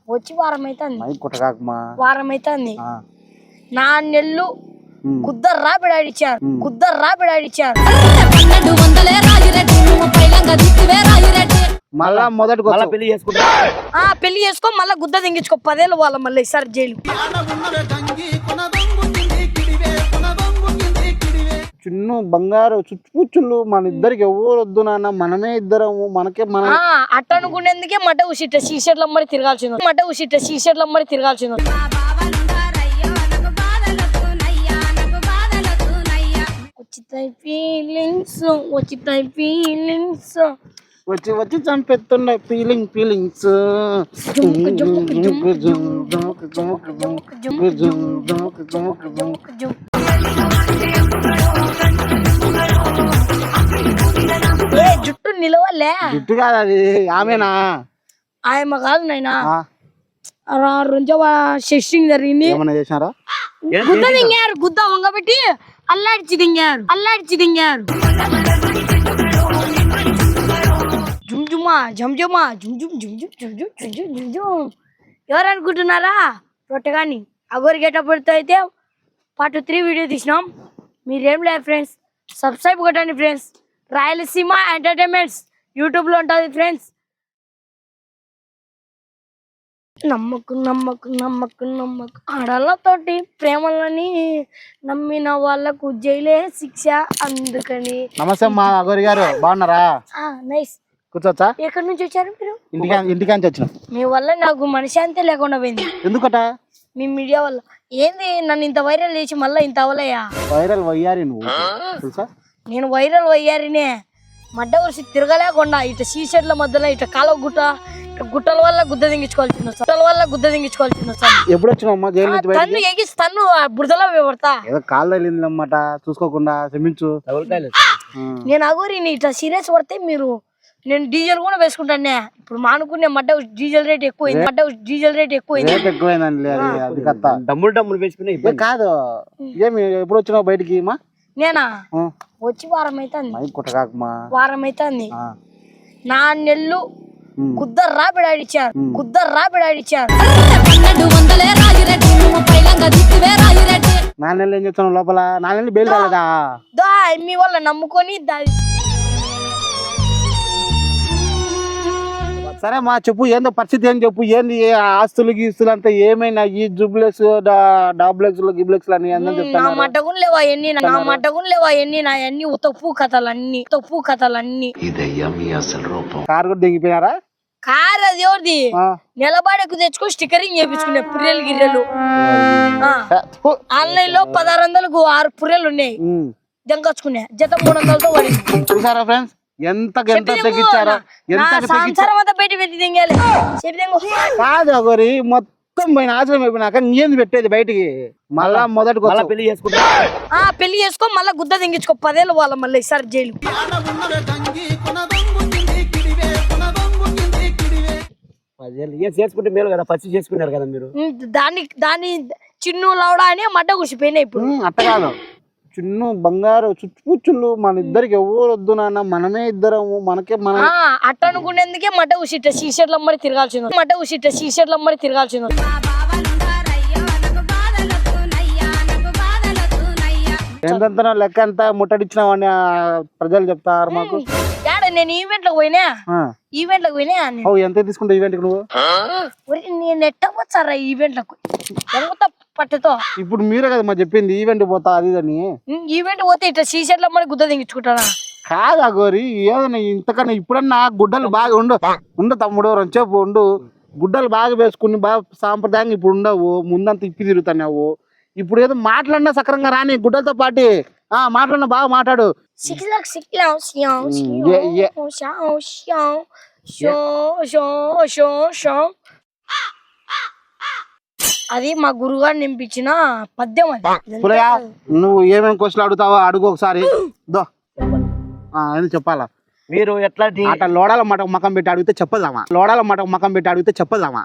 వచ్చి వారం అవుతుంది. వారం అవుతుంది. 4 నెలలు గుద్దర్రా బిడాడిచ్చారు. మళ్ళా మొదటి పెళ్లి చేసుకో మళ్ళా గుద్ద తెంగించుకో 10 ఏళ్ళు వాళ్ళ మళ్ళీ ఈసారి జైలు. చిన్న బంగారు చుచ్చుపుచ్చులు మన ఇద్దరికి ఎవరు వద్దు నాన్న, మనమే ఇద్దరము, మనకే మన అట్ట అనుకునేందుకే మట ఉసిట సీషర్లు అమ్మడి తిరగాల్సింది. వచ్చి చంపెత్తున్నాయి ఫీలింగ్స్. జుట్టు నిలవలే. జుట్టు కాదు అది, ఆమెనా? ఆయమ్మ కాదు నాయనా. షెస్టింగ్ జరిగింది. ఏమన్నా చేసినారా? గుద్ద దింగారు, గుద్ద వంగబెట్టి అల్లాడిచి దింగారు. జుమ్జుమా జంజుమా ఎవరు అనుకుంటున్నారా? రొట్టెగాని అగోరి గెటప్పుడు అయితే పార్ట్ 3 వీడియో తీసినాం. మీరేం లేదు ఫ్రెండ్స్, సబ్స్క్రైబ్ కొట్టండి ఫ్రెండ్స్. రాయలసీమ ఎంటర్టైన్మెంట్స్ యూట్యూబ్లో ఉంటుంది ఫ్రెండ్స్. నమ్మకు ఆడలతోటి ప్రేమలని నమ్మిన వాళ్ళకు జైలే శిక్ష. అందుకని నమస్తే మా అగోరి గారు, బాగున్నారా? నైస్. కూర్చోచ్చా? ఎక్కడి నుంచి వచ్చారు మీరు? ఇంటికాంచి వచ్చిన. మీ వల్ల నాకు మనశ్శాంతి లేకుండా పోయింది. ఎందుకట? మీ మీడియా వల్ల. ఏంది నన్ను ఇంత వైరల్ చేసి మళ్ళీ ఇంత అవలయ్యా? వైరల్ వయ్యారి నువ్వు తెలుసా? నేను వైరల్ వయ్యారినే. మడ్డ వరిసి తిరగలేకుండా ఇట సీషర్ల మధ్యలో ఇట కాలువ గుట్టల వల్ల గుద్ద దింగించుకోవాల్సింది వస్తాను. ఎప్పుడు వచ్చినావు జైలు నుంచి? తన్ను ఎగిస్తాను బురదలో పడతా. ఏదో కాళ్ళు వెళ్ళిందన్నమాట, చూసుకోకుండా క్షమించు. నేను అగోరిని ఇట్లా సీరియస్ పడితే మీరు, నేను డీజిల్ కూడా వేసుకుంటానే. ఇప్పుడు మానుకునే మడ్డ డీజిల్ రేట్ ఎక్కువైంది. డమ్ములు వేసుకునే కాదు. ఏమి ఎప్పుడు వచ్చినావు బయటికి? నేనా వచ్చి వారం అవుతుంది. 4 నెలలు గుద్దర్రా బిడాడిచ్చారు. 4 నెలలు ఏం చేస్తాను లోపల? 4 నెలలు బెయిల్ రాలేదా? మీ వల్ల నమ్ముకొని సరే మా చెప్పు, ఏందో పరిస్థితి ఏం చెప్పు. ఏంది ఆస్తులు గీస్తులు అంతా ఏమైనా? ఈ జూబ్లెక్స్ డాబ్లెక్స్ గిబ్లెక్స్ అని నా మట్టగుని లేవా ఎన్ని నా అన్ని తప్పు కథలన్నీ. కారు కూడా దిగిపోయినారా? కారు అది ఎవరిది? నిలబడకు తెచ్చుకో స్టిక్కరింగ్ చేయించుకునే పుర్రెలు గిర్రెలు. ఆన్లైన్ లో 1600కు 6 పుర్రెలు ఉన్నాయి. దెంకొచ్చుకునే జత 300తో పడింది. చూసారా ఫ్రెండ్స్ ఎంత తగ్గించారా? కాదు అగోరి, మొత్తం పోయిన ఆశ్రమం అయిపోయినాక నీంది పెట్టేది బయటికి. మళ్ళా మొదటి పెళ్లి చేసుకో మళ్ళా గుద్ద తెంగించుకో 10 ఏళ్ళు వాళ్ళ మళ్ళీ ఈసారి జైలు. చేసుకుంటే మేలు కదా, ఫస్ట్ చేసుకున్నారు కదా మీరు. దాన్ని చిన్ను లవడా అని మడ్డ కూర్చిపోయినాయి. ఇప్పుడు అట్ట కాదు, చిన్న బంగారు చుచ్చుపుచ్చులు మన ఇద్దరికి ఎవరు వద్దు నాన్న, మనమే ఇద్దరము, మనకే మన అట్ట అనుకునేందుకే మట ఉసిట సీషర్లు అమ్మడి తిరగాల్సింది. ఎంత లెక్క అంతా ముట్టడిచ్చినావని ప్రజలు చెప్తారు మాకు. నేను ఈవెంట్లకు పోయినా. ఎంత తీసుకుంటా ఈవెంట్ నువ్వు? నేను ఎట్టపోతారా ఈవెంట్లకు పట్టుతో? ఇప్పుడు మీరే కదా మా చెప్పింది ఈవెంట్ పోతా అది అని. ఈవెంట్ పోతే ఇట్లా సీషర్లు అమ్మడి గుద్ద దించుకుంటానా? కాదు అగోరి, ఏదన్నా ఇంతకన్నా ఇప్పుడన్నా గుడ్డలు బాగా ఉండు తమ్ముడు, రంచేపు ఉండు. గుడ్డలు బాగా వేసుకుని బాగా సాంప్రదాయంగా ఇప్పుడు ఉండవు. ముందంతా ఇప్పి తిరుగుతున్నావు. ఇప్పుడు ఏదో మాట్లాడినా సక్రంగా రాని గుడ్డలతో పాటి మాట్లాడినా బాగా మాట్లాడు. అది మా గురుగారు నింపించిన పద్యం. నువ్వు ఏమేమి క్వశ్చన్లు అడుగుతావో అడుగు ఒకసారి. ఎందుకు చెప్పాలా? మీరు ఎట్లాంటి లోడాల మాట మకం పెట్టి అడిగితే చెప్పదామా?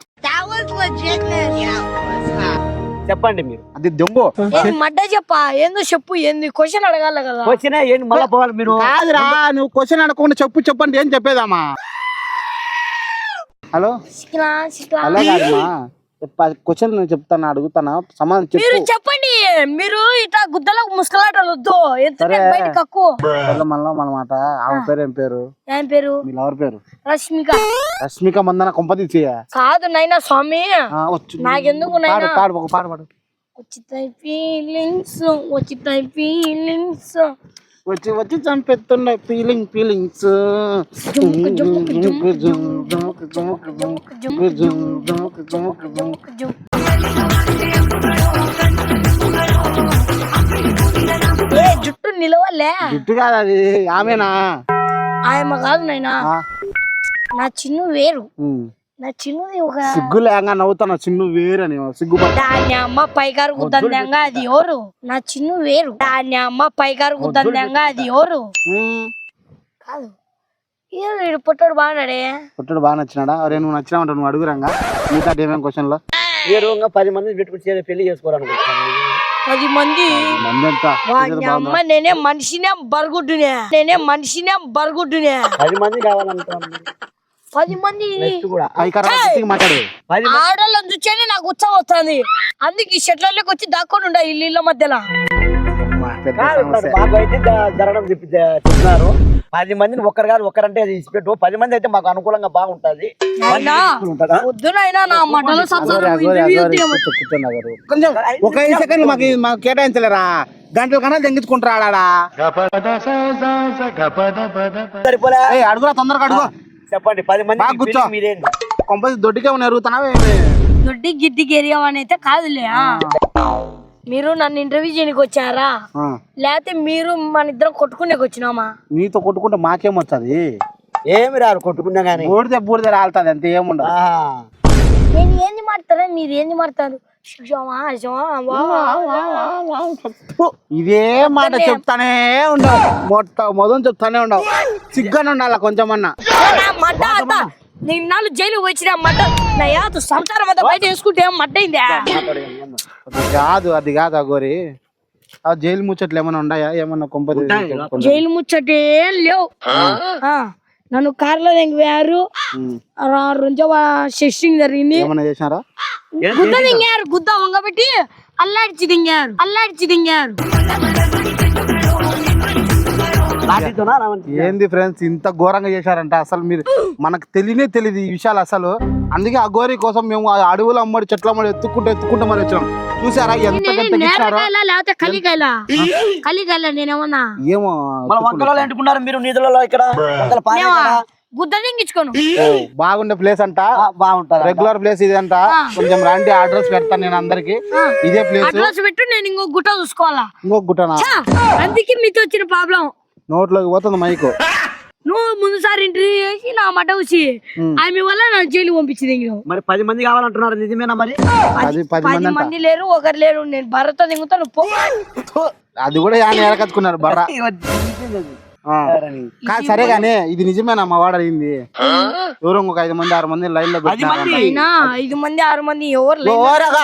చెప్పండి మీరు. అది దొంగ మడ్డ చెప్పా. ఏందో చెప్పు. ఏంది క్వశ్చన్ అడగాల కదా? క్వశ్చన్ ఏంటి మళ్ళా పోవాలి మీరు? కాదురా, నువ్వు క్వశ్చన్ అడగకుండా చెప్పండి ఏం చెప్పేదామా? హలో శిఖలా శిఖలా అలా కాదమ్మా క్వశ్చన్ నేను చెప్తాను అడుగుతానా సమాధానం మీరు చెప్పు చెప్పండి. మీరు ఇట్లా గుద్దలకు ముసుకలాటలు వద్దు. ఎంత సరే. బయట కక్కు. మళ్ళా మాట ఆమె పేరు ఏం పేరు ఏం పేరు? మీ లవర్ పేరు రష్మిక. రష్మిక మందన కొంపతీసి కాదు నైనా స్వామి, వచ్చు నాకెందుకు నైనా? పాడు ఒక పాట పాడు వచ్చితాయి ఫీలింగ్స్, వచ్చితాయి ఫీలింగ్స్. వచ్చి వచ్చి చంపెత్తున్నాయి ఫీలింగ్స్ ఏ జుట్టు నిలవలే? జుట్టు కాదు అది ఆమెనా ఆయమ్మ కాదు నైనా. ఆ, నా చిన్ను వేరు. ఉమ్. నా చిన్నుది ఒక సిగ్గు లేక నవ్వుతాను చిన్ను వేరని సిగ్గుపడ్డా దాన్ని అమ్మ పైకారు గుద్దంగా అది ఎవరు? నా చిన్ను వేరు. దాన్ని అమ్మ పైకారు గుద్దంగా అది ఎవరు? కాదు వీడు పుట్టాడు బాగున్నాడే. పుట్టడు బాగా నచ్చినాడా అరే నువ్వు నచ్చినావంట నువ్వు అడుగురంగా మిగతా ఏమేం క్వశ్చన్ లో మీరు ఇంకా 10 మంది పెట్టుకుని పెళ్లి చేసుకోవాలనుకుంటున్నాను. 10 మంది మంది ఎంత వాడి అమ్మ నేనే మనిషినే బరుగుడ్డునే. నేనే మనిషినే బరుగుడ్డునే. 10 మంది కావాలనుకుంటున్నాను. 10 మంది నెక్స్ట్ కూడా మాట్లాడు 10 ఆడోళ్ళని చూస్తేనే నాకు ఉత్సాహం వస్తుంది. అందుకే ఈ షెట్లలోకి వచ్చి దాక్కొని ఉండ ఇళ్ళ మధ్యలో. మాకు అయితే జరగడం చెప్తున్నారు. 10 మందిని ఒక్కరు కాదు ఒక్కరంటే అది ఇచ్చిపెట్టు. 10 మంది అయితే మాకు అనుకూలంగా బాగుంటది. అయినా పొద్దునైనా నా మటలో కొంచెం ఒక 5 సెకండ్లు మాకు కేటాయించలేరా గంటల కన్నా తెంగించుకుంటారా సరిపోలే. అడుగురా తొందరగా అడుగు చెప్పండి 10 మంది బాగా కూర్చో. మీరేంటి కొంపది దొడ్డికే ఎరుగుతున్నావా దొడ్డి గిడ్డి గెరియం అని అయితే కాదులే. మీరు నన్ను ఇంటర్వ్యూ చేయడానికి వచ్చారా లేకపోతే మీరు మన ఇద్దరం కొట్టుకునేకి వచ్చినామా? నీతో కొట్టుకుంటే మాకేమొచ్చది ఏమి రారు కొట్టుకున్నా గానీ బూడితే బూడితే రాలుతుంది అంతే ఏముండదు నేను ఏంది మాడతారా మీరు ఏంది మాడతారు? ఇదే మాట చెప్తానే ఉండవు మొదలు చెప్తానే ఉండవు సిగ్గానే ఉండాల కొంచెమన్నా నిన్నాళ్ళు జైలు వచ్చిన మడ్డ నా యాదు సంసారం అంతా బయట వేసుకుంటే మడ్డ అయిందా? అది కాదు అగోరి ఆ జైలు ముచ్చట్లు ఏమైనా ఉన్నాయా ఏమన్నా కొంపది జైలు ముచ్చటే లేవు. నన్ను కార్లో దింగారు. 2 షెస్టింగ్ జరిగింది. ఏమన్నా చేసినారా? గుద్ద దింగారు. గుద్ద వంగబెట్టి అల్లాడిచి దింగారు. ఏంది ఫ్రెండ్స్ ఇంత ఘోరంగా చేశారంట అసలు మీరు మనకు తెలియదు ఈ విషయాలు అసలు. అందుకే ఆ గోరి కోసం మేము ఆ అడవులు అమ్మడి చెట్ల అమ్మడి ఎత్తుకుంటూ మరి వచ్చాం. చూసారా ఎంత లేకపోతే కలికాయలా నేనేమన్నా ఏమో వంకలలో ఎంటుకున్నారు మీరు నిధులలో ఇక్కడ గుద్ద దింగించుకోను. బాగుండే ప్లేస్ అంట బాగుంటది రెగ్యులర్ ప్లేస్ ఇది అంట. కొంచెం రండి అడ్రస్ పెడతాను నేను అందరికి. ఇదే ప్లేస్ అడ్రస్ పెట్టు. నేను ఇంకో గుట్ట చూసుకోవాలా? ఇంకొక గుట్టనా? అందుకే మీతో వచ్చిన ప్రాబ్లం. నోట్లోకి పోతుంది మైకు. నువ్వు ముందుసారి ఇంటర్వ్యూ చేసి నా మట వచ్చి ఆమె వల్ల నా జైలు పంపించింది. మరి 10 మంది కావాలంటున్నారు నిజమేనా? మరి 10 మంది లేరు ఒకరు లేరు. నేను భర్త దిగుతాను పో. అది కూడా ఏరకచ్చుకున్నారు బర్ర. సరే గానీ ఇది నిజమేనా మా వాడు అయింది? ఎవరో ఒక 5 మంది 6 మంది లైన్ లో పెట్టినా 5 మంది 6 మంది ఎవరు లేరు.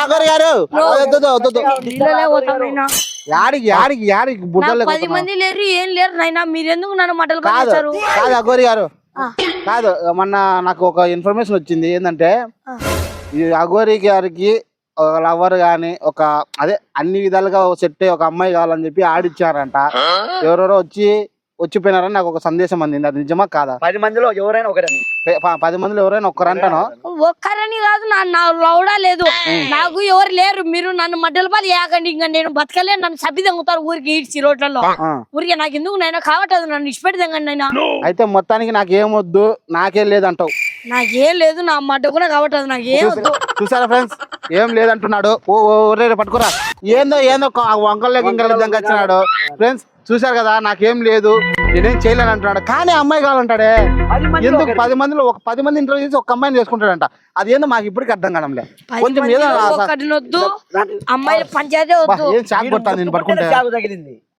యాడికి బుడ్డలు 10 మంది లేరు ఏం లేరు నైనా. మీరెందుకు నన్ను మటలు కాదు కాదు అగోరి గారు కాదు. మొన్న నాకు ఒక ఇన్ఫర్మేషన్ వచ్చింది ఏంటంటే ఈ అగోరి గారికి ఒక లవర్ గాని ఒక అదే అన్ని విధాలుగా సెట్ ఒక అమ్మాయి కావాలని చెప్పి ఆడిచ్చారంట. ఎవరెవరో వచ్చిపోయినారని నాకు ఒక సందేశం అందింది. అది నిజమా కాదా? 10 మందిలో ఎవరైనా ఒకరని 10 మందిలో ఎవరైనా ఒక్కరంటాను. ఒక్కరని కాదు నా లౌడా లేదు. నాకు ఎవరు లేరు. మీరు నన్ను మడ్డల పాలు ఏకండి. ఇంకా నేను బతకలే. నన్ను సభ్య తంగుతారు ఊరికి ఈడ్చి రోడ్లలో. ఊరికి నాకు ఎందుకు నైనా కావట్లేదు. నన్ను ఇష్టపెట్టి తంగండి నైనా. అయితే మొత్తానికి నాకేమొద్దు నాకేం లేదంటావు? నాకేం లేదు. నా మడ్డ కూడా కావట్లేదు. నాకేం వద్దు. చూసారా ఫ్రెండ్స్ ఏం లేదంటున్నాడు. పట్టుకురా ఏందో వంకల్లోకి ఇంకా వచ్చినాడు. ఫ్రెండ్స్ చూసారు కదా నాకేం లేదు నేనేం చేయలేను అంటున్నాడు. కానీ అమ్మాయి కావాలంటాడే ఎందుకు? 10 మందిలో ఒక 10 మంది ఇంటర్వ్యూ చేసి ఒక అమ్మాయిని చేసుకుంటాడంట. అది ఏందో మాకు ఇప్పటికి అర్థం కావడంలే. కొంచెం ఏదో అమ్మాయిల పంచాయతీ వద్దు. ఏం షాక్ కొట్టాను నేను పట్టుకుంటే. తగిలింది